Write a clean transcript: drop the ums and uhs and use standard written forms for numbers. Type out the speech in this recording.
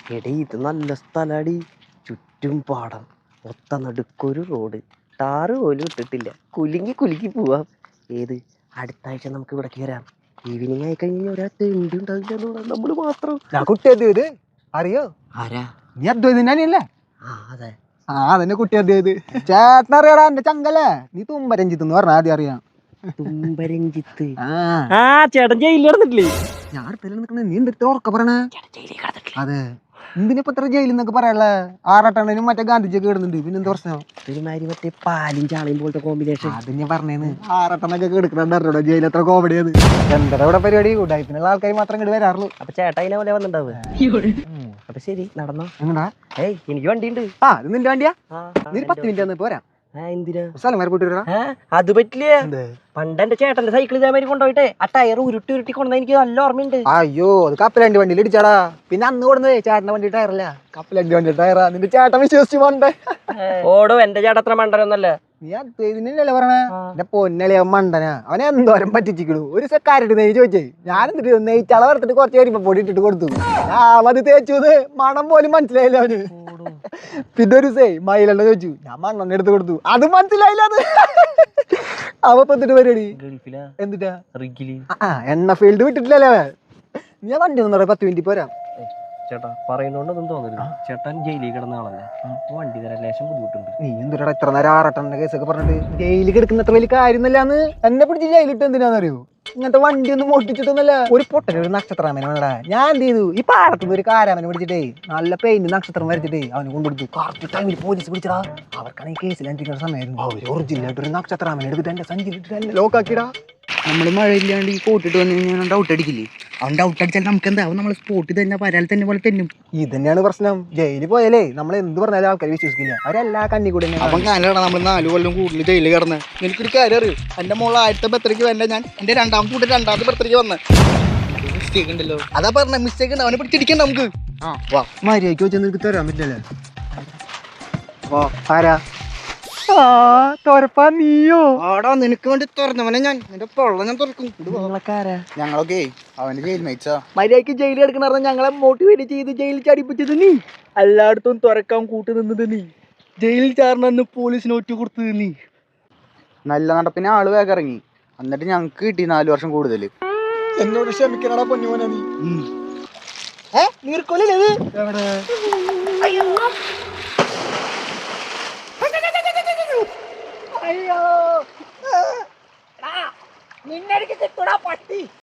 എടീ ഇത് നല്ല സ്ഥലടി, ചുറ്റും പാടം, ഒത്ത നടുക്കൊരു റോഡ്, ടാറ് പോലും ഇട്ടിട്ടില്ല. കുലുങ്ങി കുലുങ്ങി പോവാം. ഏത് അടുത്ത ആഴ്ച നമുക്ക് ഇവിടേക്ക് വരാം. ഈവനിങ് ആയി കഴിഞ്ഞാൽ ഒരാൾ തെണ്ടി ഉണ്ടാവില്ല, നമ്മള് മാത്രം. കുട്ടി ഇത് അറിയോ? ആരാ? നീ അദ്വൈതല്ലേ? ആ അതെ. അതന്നെ കുട്ടി അദ്വൈത്. ചേട്ടനറിയാടാ എന്റെ ചങ്കല്ലേ. നീ തുമ്പരഞ്ജിത്ത് എന്ന് പറഞ്ഞാൽ ആദ്യം അറിയാം. തുമ്പരഞ്ജിത്ത്. ആ ചേട്ടൻ ജയിലിൽ കിടന്നിട്ടില്ലേ? ഞാൻ അടുത്തല്ലേ നിൽക്കണേ, നീ എന്തെത്ര ഉറക്ക പറയണേ? ജയിലിൽ കിടന്നിട്ടില്ല. അതെ, എന്തിനിപ്പോ ഇത്ര ജയിലിൽ നിന്നൊക്കെ പറയാനുള്ള? ആറാട്ടണ്ണനും മറ്റേ ഗാന്ധിജിയൊക്കെ ഇടുന്നുണ്ട്, പിന്നെ എന്താ പ്രശ്നം? ഒരുമാതിരി മറ്റേ പാലും ചാളയും പോലത്തെ കോമ്പിനേഷൻ. അത് ഞാൻ പറഞ്ഞേന്ന്. ആറാട്ടണ്ണൊക്കെ എടുക്കണോ ജയിൽ എത്ര കോമഡിയത്. എന്താ ഇവിടെ പരിപാടി? ഉടായ്പിനുള്ള ആൾക്കാർ മാത്രം ഇങ്ങോട്ട് വരാറുള്ളൂ. അപ്പൊ ചേട്ടാ അതിനെ പോലെ വന്നിട്ടുണ്ടാവുക. അപ്പൊ ശരി, നടന്നോ. എങ്ങടാ? ഏയ് എനിക്ക് വണ്ടിയുണ്ട്. ഇത് നിന്റെ വണ്ടിയാ? നീ 10 മിനിറ്റ് വന്ന് പോരാ. എന്തിനാ? സ്ഥലം വരെ കൂട്ടി വരാ. അത് പറ്റില്ല. പണ്ട് എന്റെ ചേട്ടന്റെ സൈക്കിൾ ഇതേമാതിരി കൊണ്ടുപോയിട്ടെ ആ ടയർ ഉരുട്ടി ഉരുട്ടി കൊണ്ടുവന്ന എനിക്ക് നല്ല ഓർമ്മയുണ്ട്. അയ്യോ, അത് കപ്പലണ്ടി വണ്ടിയിൽ ഇടിച്ചാടാ. പിന്നെ അന്ന് കൊടുന്നേ ചേട്ടന്റെ വണ്ടി ടയറല്ല, കപ്പലണ്ടി വണ്ടി ടയറാ. നിന്റെ ചേട്ടൻ വിശ്വസിച്ച് പോണ്ടേ? ഓടോ, എന്റെ ചേട്ടൻ അത്ര മണ്ടനൊന്നല്ല. നീ അദ്വൈതിനല്ലേ പറഞ്ഞേ? എന്റെ പൊന്നളിയ മണ്ടനാ. അവനെ എന്തോരം പറ്റിച്ചിക്കണു. ഒരു സെക്കാരിട്ട് നെയ്യ് ചോദിച്ചേ. ഞാൻ എന്നിട്ട് നെയ്ച്ചള വറുത്തിട്ട് കുറച്ച് കരിമ്പ പൊടി ഇട്ടിട്ട് കൊടുത്തു. അത് തേച്ചു, മണം പോലും മനസ്സിലായില്ല അവന്. പിന്നെ ഒരു മയിലെണ്ണ ചോദിച്ചു, ഞാൻ മണ്ണെണ്ണ എടുത്ത് കൊടുത്തു, അത് മനസ്സിലായില്ല. അത് അവ എന്നിട്ട് പരിപാടി എന്തിട്ടാ? എണ്ണ ഫീൽഡ് വിട്ടിട്ടില്ലല്ലേ അവൻ. ഞാൻ വണ്ടി ഒന്നും 10 മിനിറ്റ് പോരാ. ചേട്ടാ പറയുന്നോണ്ടൊന്നും തോന്നരുത്. ചേട്ടൻ ജയിലിൽ കിടന്ന ആളല്ലേ, വണ്ടി തരാൻ ലേശം ബുദ്ധിമുട്ടുണ്ട്. നീ എന്തുടാ ഇത്ര നേരം ആറാട്ടന്റെ കേസൊക്കെ പറഞ്ഞിട്ട്? ജയിലിൽ കിടക്കുന്ന അത്ര വലിയ കാര്യമൊന്നുമില്ലാന്ന്. എന്നെ പിടിച്ച് ജയിലിട്ട് എന്തിനാന്നറിയോ? ഇങ്ങനത്തെ വണ്ടി ഒന്നും ഓട്ടിച്ചിട്ടൊന്നുമല്ല. ഒരു പൊട്ടന് ഒരു നക്ഷത്രാമനെ വേണടാ. ഞാൻ എന്ത് ചെയ്തു, ഈ പാടത്തുനിന്ന് ഒരു കാരാമനെ പിടിച്ചിട്ടേ നല്ല പെയിന്റ് നക്ഷത്രം വരച്ചിട്ടേ അവന് കൊണ്ടുകൊടുത്തു. കറക്റ്റ് ടൈമിൽ പോലീസ് പിടിച്ചടാ. അവർക്കാണെങ്കിൽ കേസിൽ അന്വേഷിക്കുന്ന സമയമായിരുന്നു. അവർ ഒറിജിനലായിട്ട് ഒരു നക്ഷത്രാമനെ എടുത്തിട്ട് എന്റെ സഞ്ചിയിലിട്ട് എന്നെ ലോക്കാക്കിടാ. നമ്മൾ മഴയില്ലാണ്ട് ഈ കോട്ടിട്ട് വന്നു കഴിഞ്ഞാൽ ഡൗട്ട് അടിക്കില്ലേ? അവൻ ഡൗട്ട് അടിച്ചാൽ നമുക്ക് എന്താവും? നമ്മൾ സ്പോട്ടിൽ തന്നെ പരാൽ തന്നെ പോലെ തെന്നും. ഇത് തന്നെയാണ് പ്രശ്നം. ജയിലിൽ പോയാലേ നമ്മൾ എന്ത് പറഞ്ഞാലും ആൾക്കാർ വിശ്വസിക്കില്ല. അവരെല്ലാ കണ്ണി കൂടെ അവൻ കാലാണ് നമ്മൾ 4 കൊല്ലം കൂടുതൽ ജയിലിൽ കിടന്ന്. എനിക്കൊരു കാര്യം അറിയൂ, എന്റെ മോളെ 1000ത്തെ ബർത്ത്ഡേക്ക് വല്ല ഞാൻ എന്റെ രണ്ടാമത്തെ ബർത്ത്ഡേക്ക് വന്ന് മിസ്റ്റേക്ക് ഉണ്ടല്ലോ. അതാ പറഞ്ഞ മിസ്റ്റേക്ക് ഉണ്ട്. അവനെ പിടിച്ചിരിക്കണ്ട നമുക്ക്. മര്യാദയ്ക്ക് വെച്ചാൽ നിനക്ക് തരാൻ പറ്റില്ലല്ലേ? ആരാ? തോരപ്പാ നീയോ? ആടാ, നിനക്ക് വേണ്ടി തുറന്നവനെ ഞാൻ. നിന്റെ പൊള്ള ഞാൻ തുറക്കും. ഞങ്ങളൊക്കെ അവന്റെ ജയിൽ മേച്ചാ. മര്യാദയ്ക്ക് ജയിലിൽ എടുക്കണ ഞങ്ങളെ മോട്ടിവേറ്റ് ചെയ്ത് ജയിലിൽ ചടിപ്പിച്ചത് നീ. എല്ലായിടത്തും തുറക്കാൻ കൂട്ടു നിന്നത് നീ. ജയിലിൽ ചാർന്ന് പോലീസിന് ഒറ്റ കൊടുത്തത് നീ. നല്ല നടപ്പിന് ആള് വേഗം ഇറങ്ങി. എന്നിട്ട് ഞങ്ങക്ക് കിട്ടി 4 വർഷം കൂടുതൽ. എന്നോട് ക്ഷമിക്കണടാ പൊന്നുമോനെ നീ. നീർക്കൊല്ലേ അയ്യോ, നിന്നെ കിട്ടൂടാ പട്ടി.